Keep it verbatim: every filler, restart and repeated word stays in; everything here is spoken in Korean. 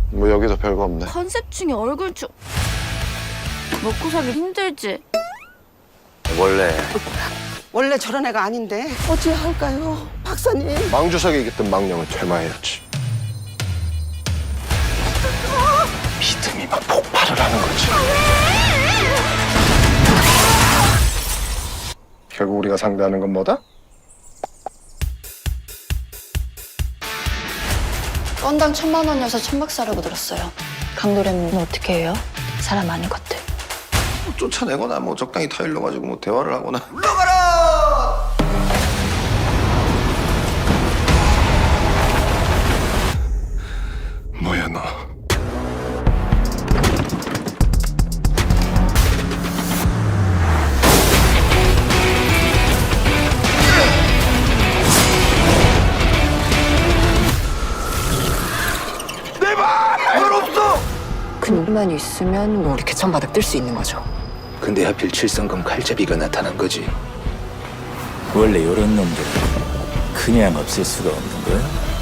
뭐 여기도 별거 없네. 컨셉 중에 얼굴 좀 먹고 살기 힘들지? 원래 원래 저런 애가 아닌데 어찌할까요, 박사님? 망주석에 깃든 망령을 퇴마해야지. 믿음이 막 폭발을 하는 거지. 결국 우리가 상대하는 건 뭐다? 건당 천만 원이어서 천박사라고 들었어요. 강도래는 어떻게 해요? 사람 아닌 것들. 쫓아내거나 뭐 적당히 타일러 가지고 뭐 대화를 하거나. 뭐야 너? 근육만 있으면 뭐 이렇게 천바닥 뜰 수 있는 거죠. 근데 하필 칠성금 칼잡이가 나타난 거지. 원래 이런 놈들 그냥 없앨 수가 없는 거야?